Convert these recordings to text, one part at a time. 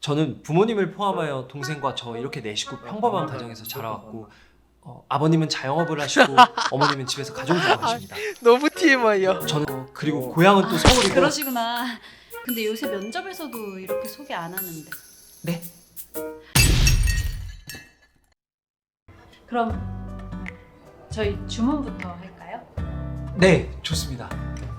저는 부모님을 포함하여 동생과 저 이렇게 네 식구 평범한 가정에서 자라왔고 아버님은 자영업을 하시고 어머님은 집에서 가정주부 하십니다. 너무 TMI야. 저는 그리고 고향은 또 서울이고. 그러시구나. 근데 요새 면접에서도 이렇게 소개 안 하는데. 네. 그럼 저희 주문부터 할까요? 네, 좋습니다.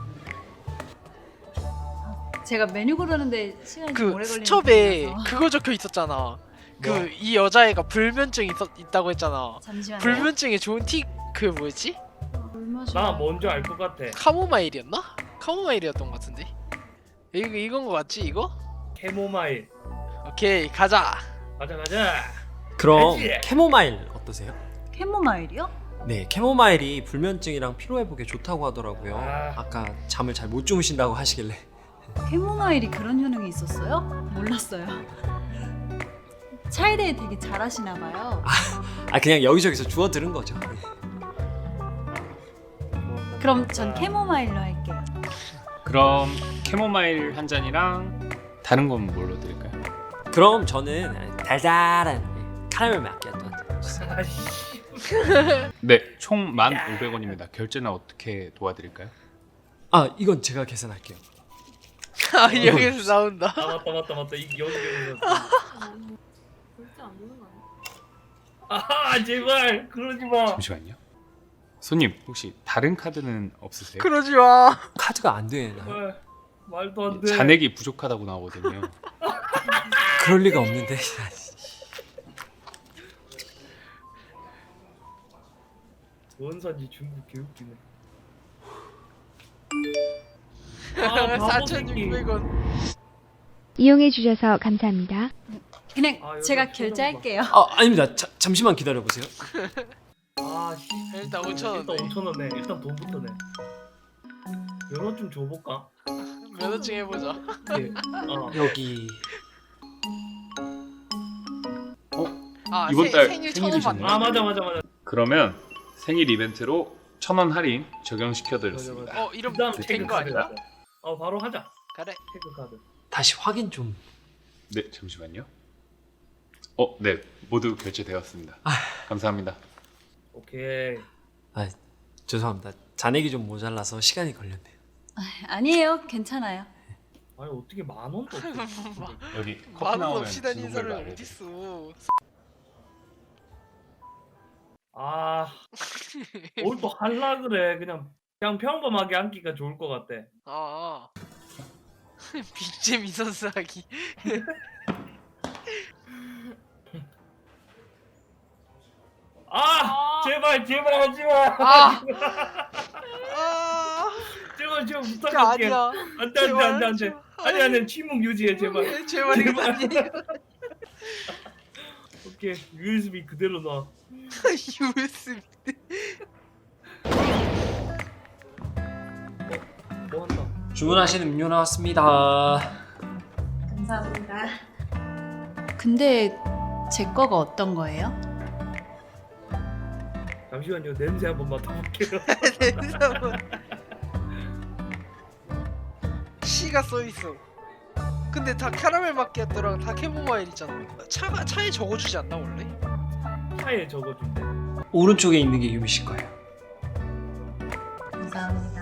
제가 메뉴 고르는데 시간이 좀 그 오래 걸리는 수첩에 편이라서. 그거 적혀 있었잖아. 그 뭐? 이 여자애가 불면증 있다고 했잖아. 잠시만요. 불면증에 좋은 티 그 뭐였지? 얼마 전에 나 뭔지 알 것 같아. 카모마일이었나? 카모마일이었던 것 같은데. 이건 거 맞지 이거? 캐모마일. 오케이 가자. 가자. 그럼 알지? 캐모마일 어떠세요? 캐모마일이요? 네, 캐모마일이 불면증이랑 피로회복에 좋다고 하더라고요. 아. 아까 잠을 잘 못 주무신다고 하시길래. 캐모마일이 그런 효능이 있었어요? 몰랐어요. 차에 대해 되게 잘하시나 봐요. 그냥 여기저기서 주워 들은 거죠. 그럼 전 캐모마일로 할게요. 그럼 캐모마일 한 잔이랑 다른 건 뭘로 드릴까요? 그럼 저는 달달한 카라멜 마키아토 한 잔 주세요. 아씨. 네, 총 1,500원입니다. 결제는 어떻게 도와드릴까요? 이건 제가 계산할게요. 아 여기서 나온다. 아 맞다. 이 여기. 아 제발 그러지 마. 잠시만요. 손님, 혹시 다른 카드는 없으세요? 그러지 마. 카드가 안 되나요? 말도 안 돼. 잔액이 부족하다고 나오거든요. 그럴 리가 없는데. 원산지 중국 개웃기네. 4,600원. 이용해 주셔서 감사합니다. 그냥 아, 제가 여기다 결제할게요. 아닙니다. 잠시만 기다려 보세요. 아씨. 일단 5,000원 내. 일단 5,000원 내. 일단 돈부터 내. 면허 좀 줘볼까? 면허증 해보자. 예. 여기 아 이번 달 생일 생일이셨네요. 1,000원 아 받나? 맞아. 그러면 생일 이벤트로 1,000원 할인 적용시켜드렸습니다. 이름 그다음 된 거 아니야? 바로 하자. 그래. 태그 카드. 다시 확인 좀. 네, 잠시만요. 네, 모두 결제되었습니다. 감사합니다. 오케이. 죄송합니다. 잔액이 좀 모자라서 시간이 걸렸네요. 아니에요. 괜찮아요. 아니 어떻게 10,000원도 없어? 여기 커피 만원 나오면 없이 다니는 진동벨 사람이 알려드릴게요. 어딨어. 아, 뭘 또 할라 그래. 그냥 평범하게 앉기가 좋을 것 같아. 아 빅잼 이선수 하기. 제발 하지 마. 아 제발 그게 부탁할게. 아니야. 안돼. 제발. 아니 침묵 유지해 제발. 제발 이거 아니야. 오케이 USB 그대로 놔. USB. 뭐 한다. 주문하신 음료 나왔습니다. 감사합니다. 근데 제 거가 어떤 거예요? 잠시만요 냄새 한번 맡아볼게요. C가 써 있어. 근데 다 카라멜 마키아토랑 다 캐모마일 있잖아. 차에 적어주지 않나 원래? 차에 적어준대. 오른쪽에 있는 게 유미 씨 거예요. 감사합니다.